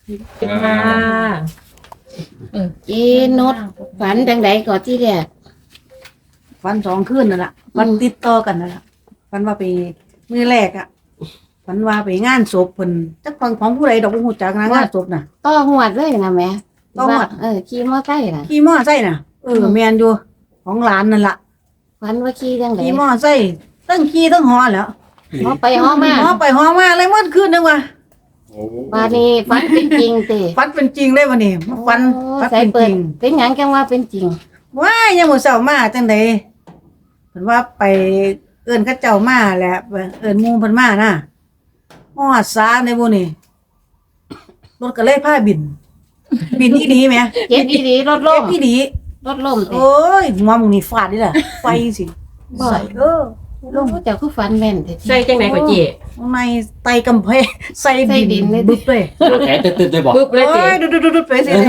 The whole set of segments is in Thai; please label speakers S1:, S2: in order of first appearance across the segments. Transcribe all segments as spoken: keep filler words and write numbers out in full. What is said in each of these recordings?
S1: ค่ะเออเจนดฝันจังไดก่อนที่แรก
S2: วันสองคืนนั่นแหละวันติดต่อกันนั่นแหละวันว่าไปมือแรกอ่ะวันว่าไปงานศพเพิ่นจักฟังของผู้ใดดอกบ่ฮู้จักนะงานศพน่ะ
S1: ต่อหวดเลยนะแม่
S2: ต่อหวด
S1: เออขี่มอไซค์น่ะ
S2: ขี่มอไซค์น่ะเออแม่นอยู่ของหลานนั่นล่ะ
S1: ฝันว่าขี่จังได
S2: ขี่มอไซค์ทั้งขี่ทั้งหอแหล้ว
S1: ฮอไปฮอมา
S2: หอไปหอมาเลยหมดคืนนึงว่ะ
S1: บาดนี้ฝันเป็นจริงติ
S2: ฟันเป็นจริงเลยวันนี้มาฟัน
S1: โอ้
S2: ฟัน
S1: ใส่
S2: เป็น
S1: เปิ
S2: จ
S1: ด
S2: ริง
S1: เป็นหยังจังว่าเป็นจริง
S2: ว้ายยังมื้อเช้ามาจังได๋เพิ่นว่าไปเอิ้นเขาเจ้ามาแหละเอิ้นหมู่เพิ่นมาน่ะฮอดซาในบ่นี่รถก็เลยพาบิน บินอีหลีแหม
S1: เจ็บอีหลีรถ
S2: เจ็
S1: ล้
S2: บ
S1: ม
S2: อีหลี
S1: รถล้มติ
S2: โอ้ยหัวมึงนี่ฟาดนี่ล่ะไฟสิใส่เออ
S1: ล้มเจ้าคือฝันแม่นแท้ๆ
S3: ใส่จังไหนก็เจ๊
S2: ข้างในไตกำแพงใส่
S1: ใส่ดินเลย
S2: บึบเลย
S4: แขนตึ๊ดๆเลยบอก
S3: ปึ๊บเลย
S2: โอ้
S3: เจ๊
S2: ยดุดๆๆๆไปสิ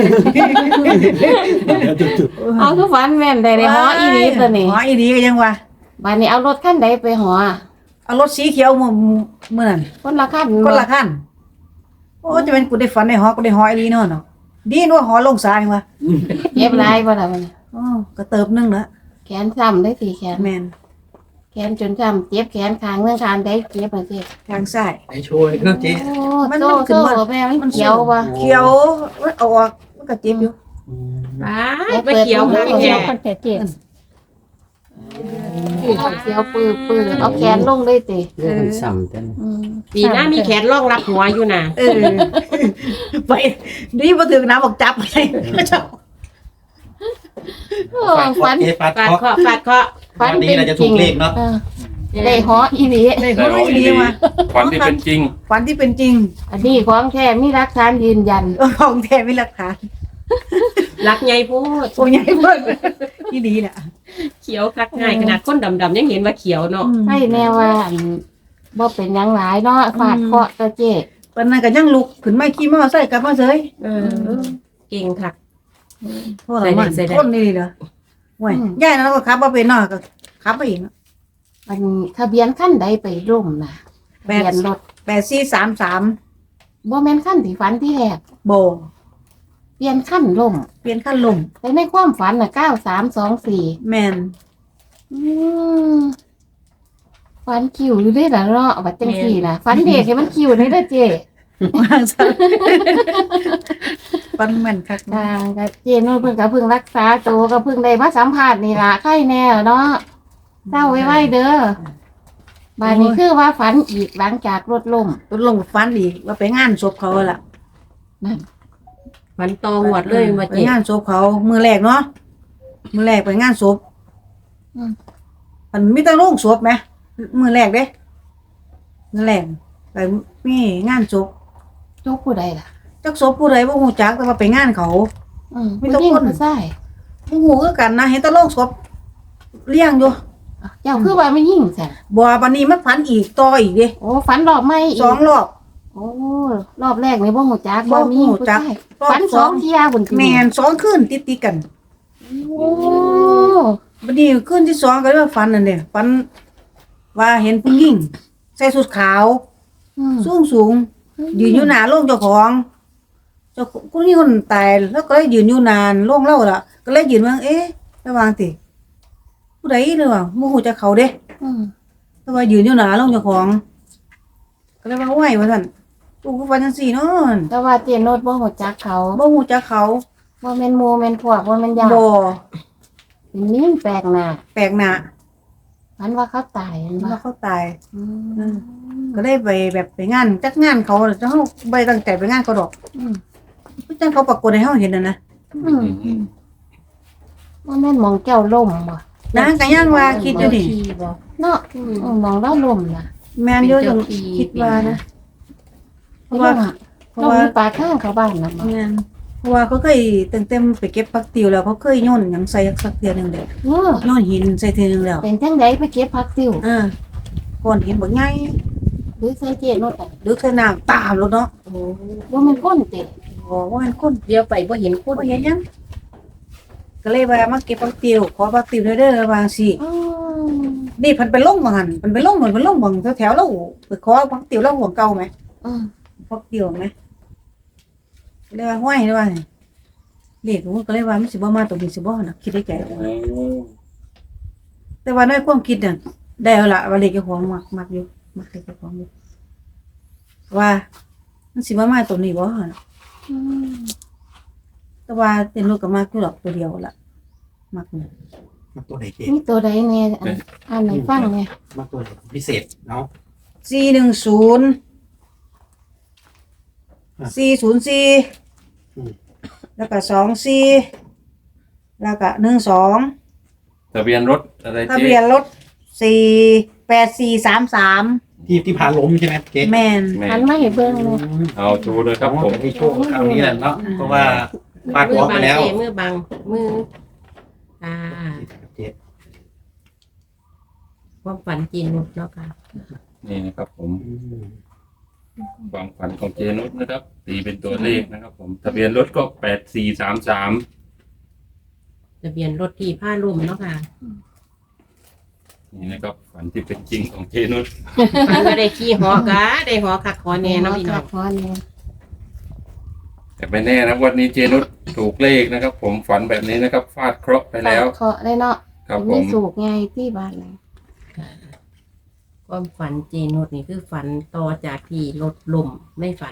S1: เอาคือฝันแม่นได้ในฮออีหลีตัวนี้
S2: หออีหลีก็ยังว่า
S1: บาดนี้เอารถคันใดไปหอ
S2: เอารถสีเขียวมื้อมื้อนั้น
S1: คนละคัน
S2: คนละคันโอ้จะเป็นกูได้ฝันในหอกูได้หออีหลีเนาะเนาะดีนว่าหอลงสายว่ะ
S1: เจ็บหลายบ่ล่ะบัดนี้
S2: อ๋อก็เติบนึงละ
S1: แขนซ้ำได้สิแขน
S2: แม่น
S1: แขนจนซ้ำเจ็บแขนข้างเรื่องข้างใดเจ็บอ่ะเจ๊
S2: ทางซ้าย
S4: ไอโชว์เครื่องเจ๊
S1: โอ้
S2: มัน
S1: โซ่
S2: มันขึ้น
S1: โซ่
S2: มา
S1: แม่มันเขียวบ่
S2: เขียวเอาออกมันก็เจ็บอยู่
S3: อ้ายไปเขียวค่ะแก
S1: เขียวปื้อปื้อเอาแขนลงเลยติ
S4: เรื่องมันซ้ำกัน
S1: อืม
S3: ปีหน้ามีแขนรองรับหัวอยู่น่ะ
S2: เออไปนี่บ่ถึงน้ำบอกจับไปเจ้า
S1: โอ้ฝัน
S4: เจ๊ฟาด
S3: ฟาด
S4: เคาะ
S3: เคาะฟาดเคาะ
S1: ฝัน
S4: วันนี้
S1: เป็น
S4: เราจะ
S1: จ
S4: ถู
S1: ริง
S4: กเลขเนาะ
S1: ออได้หออีหลี
S2: ได้หออีหลีมา
S5: ฝันที่เป็นจริง
S2: ฝันที่เป็นจริง
S1: อันนี้ของแท้มีหลักฐานยืนยัน
S2: เออของแท้มีหลักฐาน
S3: รักใหญ่พูด
S2: โอ้ใหญ่เพิ่นที่ดีน่ะ
S3: เขียวคักง่ายขนาดคนดำๆยังเห็นว่าเขียวเนาะ
S1: ให้แน่ว่าอันบ่เป็นหยังหลายเนาะฟาดเคราะห์ตะเจ๊
S2: เพิ่นนั่นก็ยังลุกขึ้นมาขี่มอไซค์กลับมาเฉย
S3: เออเก่งคัก
S2: โทษละมัน
S3: ใส่ได้
S2: คนนี่เหรอโอ้ยยายนั้นก็ขับบ่เป็นเนาะก็ขับไปอีกเนาะ
S1: มันทะเบียนคันใดไปร่มน่ะทะ
S2: แปด
S1: เบียนรถ
S2: แปดสี่สามสาม
S1: บ่แม่นคันที่ฝันที่แรก
S2: โบ
S1: เปลี่ยนคันล่ม
S2: เปลี่ยนขั้นลม
S1: แต่ในความฝันน่ะเก้าสามสองสี่
S2: แม่น
S1: อืมฟันคิวอยู่ได้ละเนาะบัดจังสี่ล่ะฟันเด็กให้มันคิวได้เด้อเจ๊
S2: วางซะปันแม่นคัก
S1: ทางก็เจ๊นู่นเพิ่งก็เพิ่งรักษาตัวก็เพิ่งได้มาสัมภาษณ์นี่ล่ะไข้แน่เนาะเศร้าไว้ๆเด้อบัดนี้คือว่าฝันอีกหลังจากรถล่ม
S2: ต้นลงฟันอีกว่าไปงานศพเขาล่ะ
S1: นั่น
S3: มันตองหวดเลยมา
S2: ไป
S3: เจ๊
S2: งานศพเขามือแรกเนาะมือแรกไปงานศพ
S1: อืม
S2: มันมีแต่โรงศพไหมมือแรกเด้มือแรกไปมีงานศพ
S1: จุกผู้ใดล่ะ
S2: จักศพผู้ใดบ่ฮู้จักแต่ว่าไปงานเขา
S1: อืม
S2: มีแต่
S1: ผู้หญิง
S2: คน
S1: ผู้ชาย
S2: บ่ฮู้คือกันนะเห็นแต่โรงศพเลี้ยงอยู่
S1: เจ้าคือว่าไม่ยิ่งใช่
S2: บ่บัดนี้มันฝันอีกต่ออีกเด้
S1: โอ้ฝันรอบไม่อีก
S2: สองรอบ
S1: โอ้รอบแรกนี่บ่ฮู้จัก
S2: บ่
S1: ว่ามียิ่ง
S2: ฮู้
S1: ผู้
S2: จัก
S1: ชาย
S2: รอบ
S1: ฝันส
S2: ส
S1: อ
S2: อง ง
S1: เที่ยบุญจริง
S2: แม่นสองคืนติดๆกัน
S1: โอ้
S2: บัดนี้คืนที่สองก็เลยว่าฝันนั่นเด้ฝันว่าเห็นผู้หญิงใส่ชุดขาว
S1: อืม
S2: สูงสูงยืนอยู่หน้าโรงเจ้าของเจ้าผู้นี้คนตายแล้วก็เลยยืนอยู่นานโรงเล่าล่ะ ก็เลยยืนว่าเอ๊ะระวังติผู้ใดหรือว่าบ่ฮู้จักเขาเด้
S1: อืม
S2: แต่ว่ายืนอยู่หน้าโรงเจ้าของ ก็เลยว่าไหวว่าซั่นกูก็ฝันจังซี่เนาะ
S1: แต่ว่าเจนโนดบ่ฮู้จักเขา
S2: บ่ฮู้จักเขา
S1: บ่แม่นหมู่แม่นพวกบ่แม่นญาติ
S2: บ่
S1: เป็นนิ่งแปลกหน้า
S2: แปลกหน้า
S1: ฝันว่าเขาตายเห็นบ่
S2: ว่าเขาตาย
S1: อืม
S2: ก็เลยไปแบบไปงานจักงานเขาเจ้าเฮาบ่ได้ตั้งใจไปงานเขาดอก
S1: อืม
S2: คือจังเขาปรากฏให้เฮาเห็นน่ะนะ
S1: อืมบ่แม่นหมองแก้วล่มบ่
S2: นางก็ยังว่าคิดอยู่นี่
S1: เนาะอืมหมองเราล่มน่ะ
S2: แม่นอยู่จังคิดว่านะ เพราะว่า เพ
S1: เรา
S2: ราะว่า
S1: มีปลาข้างเขาบ้านน่ะบ่
S2: แม่นเพราะว่าเขาเคยตั้งแต่ไปเก็บผักติวแล้วเขาเคยโยนหยังใส่สักเทื่อหนึงเด้อ
S1: เออ
S2: โยนหินใส่เทื่อหนึงแล้ว
S1: เป็นจังไดไปเก็บผักติ้ว
S2: อ่าก้อนหินบักใหญ่
S1: หรือใส่เจนโนดอ่ะ
S2: ลึกใส่น้ำตามรถเนาะ
S1: โอ้บ่แม่นคนติ
S2: บ่ว่ามันคน
S3: เดี๋ยวไปบ่เห็นคน
S2: บ่เห็นหยังก็เลยว่ามาเก็บผักติวขอผักติวเด้อๆว่าสิ
S1: อืม
S2: นี่เพิ่นไปลงบ่หั่นเพิ่นไปลงเหมือนเพิ่นลงบ่แถวๆแล้วไปขอผักติวแล้วห่วงเก่าไหม
S1: อืม
S2: ผักติวไหมเลยว่าห้วยเลยว่าเลขผมก็เลยว่ามันสิบ่มาตรงนี้สิบ่น่ะคิดได้ใจแต่ว่าในความคิดน่ะได้เอาล่ะว่าเลขเจ้าของมักมักอยู่มักเลขเจ้าของอยู่ว่ามันสิบ่มาตรงนี้บ่น่ะ
S1: อืม
S2: แต่ว่าเต็นรถก็มักอยู่ดอกตัวเดียวล่ะมักนี่
S4: มาตัวไหนเจ๊
S1: นี่ตัวใดแน่อันอ่านให้ฟังเนี่ย
S4: มาตัวไหนพิเศษเนาะ
S2: สี่หนึ่งศูนย์ สี่ศูนย์สี่แล้วก็สองสี่แล้วก็หนึ่งสอง
S5: ทะเบียนรถอะไร
S2: ทะ
S5: เจ๊
S2: เบียนรถสี่แปดสี่สามสาม
S4: ที่ที่พาล้มใช่ไหมเจ๊
S2: แม่น
S5: แม่
S1: หันมาให้เบิ่งเลย
S5: เอาดูเลยครับผม
S4: ให้โชคคราวนี้แหละเนาะเพราะว่าฟาด
S3: มื
S4: หัว
S3: บั
S4: ไปแล้ว
S3: เจ๊มือบังมืออ่า
S4: เจ๊
S3: ความฝันจีนนุชเนาะค่ะ
S5: นี่นะครับผมความฝันของเจนุสนะครับ ตีเป็นตัวเลขนะครับ ผม ทะเบียนรถก็แปดสี่สามสาม
S3: ทะเบียนรถที่ผ้าลุ่มเนาะค่ะ
S5: นี่นะครับ ฝันที่เป็นจริงของเจนุส
S3: ฝันว่าได้ขี่หอกะได้หอคักขอแน่เนาะพี่น้อง
S1: ขอแน่
S5: แต่ไม่แน่นะวันนี้เจนุสถูกเลขนะครับ ผมฝันแบบนี้นะครับ ฟาดเคราะห์ไปแล้ว
S1: เคาะได้เนาะ
S5: ครับผ
S1: มี
S5: ม
S1: สูกไงที่บ้านเลย
S3: ความฝันเจนุชนี่คือฝันต่อจากที่รถล่มไม่ฝัน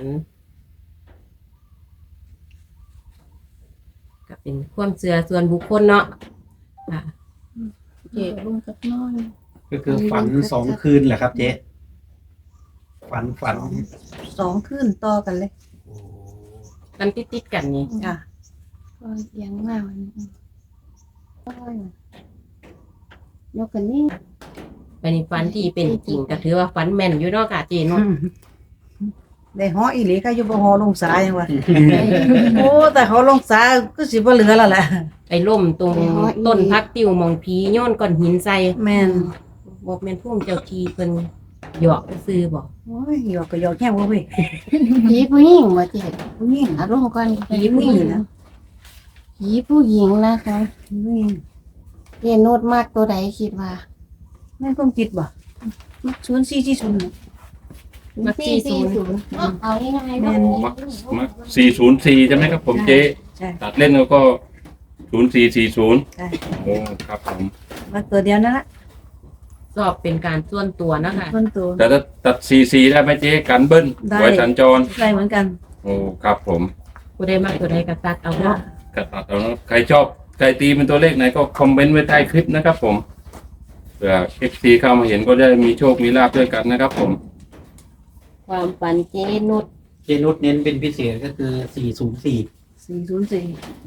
S3: ก็เป็นความเชื่อส่วนบุคคลเนาะค่ะ
S1: เจ็บลุงกับนอน
S4: ก็คือฝันสองคืนแหละครับเจ๊ฝันฝัน
S2: สองขึ้นต่อกันเลย
S4: โอ้
S3: กันติดติดๆกันนี่
S2: จ้ะ
S1: ก็ยังมากวันนี้โอ้ยยกกันนี่
S3: เป็นฝันที่เป็นจริงก็ถือว่าฝันแม่นอยู่เนาะค่ะเจนุช
S2: ได้หออีหลีค่ะอยู่บ่หอลงสายจังว่าโอ้แต่เขาลงสายก็สิบ่เหลือแล้วแหละ
S3: ไปล่มตรงต้นพักติวหมองผีโยนก้อนหินใส่
S2: แม่น
S3: บอกแม่นพุ่มเจ้าทีเพิ่นหยอกซื้อบอก
S2: โอ้ยหยอกก็หยอกแห้งบ่เว้ย
S1: ผีผู้หญิงว่าเจ็บ
S2: ผู้หญิง
S1: อารมณ์ก่อน
S2: ผีผู้หญิงนะ
S1: ผีผู้หญิงนะคะ
S2: ผู้หญิง
S1: เรียนโนดมากตัวใดคิดว่า
S2: แม่นความคิดบ่ศูนย์สี่สี่ศูนย์
S3: มักสี่ศูนย์
S1: เอาง่ายๆ
S2: แม่
S1: เนาะ
S2: น
S5: มักมักสี่ศูนย์สี่ใช่ไหมครับ ผมเจ๊
S2: ใช่
S5: ตัดเล่นแล้วก็ศูนย์สี่สี่ศูนย์
S2: ใช่
S5: โอ้ครับผม
S2: มาตัวเดียวนั่นละ
S3: สอบเป็นการส่วนตัวนะคะ
S2: คนตัว
S5: แต่ถ้าตัดสี่สี่ได้ไหมเจ๊กันเบิ้ล
S2: ได้
S5: ไว้สัญจร
S2: ได้เหมือนกัน
S5: โอ้ครับผม
S3: ผู้ใดมากตัวใดก็ตัดเอาเนาะ
S5: กระตัดเอานะใครชอบใครตีเป็นตัวเลขไหนก็คอมเมนต์ไว้ใต้คลิปนะครับผมเผื่อเอฟซีเข้ามาเห็นก็ได้มีโชคมีลาภด้วยกันนะครับผม
S3: ความฝันเจนุช
S4: เจนุสเน้นเป็นพิเศษก็คือสี่ศูนย์สี่
S2: สี่ศูนย์สี่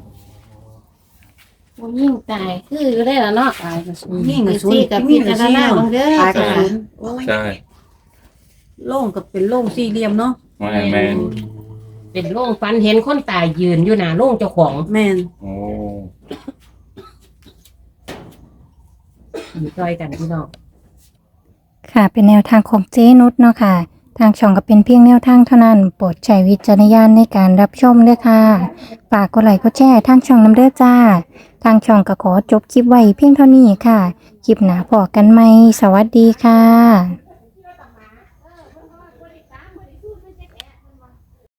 S1: ผู้หญิงตายคืออยู่ได้แล้วเนาะ
S2: ตายก็ศูนย์ยิ่งกับศูน
S1: สี่
S2: ย์
S1: กับ
S2: ยิ่
S1: พี่
S2: งกับ
S1: จาร
S2: สี่
S1: ณาบางเด้อ
S2: ตายกับศูนย์
S5: ใช่
S2: โล่งกับเป็นโล่งสี่เหลี่ยมเนาะ
S5: ไม่แมน
S3: เป็นโรงฝันเห็นคนตายยืนอยู่หน้าโรงเจ้าของ
S2: แม่น
S5: โอ้
S3: อยู่ซอยกันพี่น้อง
S6: ค่ะเป็นแนวทางของเจนุชเนาะค่ะ ทางช่องก็เป็นเพียงแนวทางเท่านั้น โปรดใช้วิจารณญาณในการรับชมด้วยค่ะฝากกดไลค์กดแชร์ทางช่องน้ำเด้อจ้า ทางช่องก็ขอจบคลิปไว้เพียงเท่านี้ค่ะ คลิปหน้าพอกันไหมสวัสดีค่ะ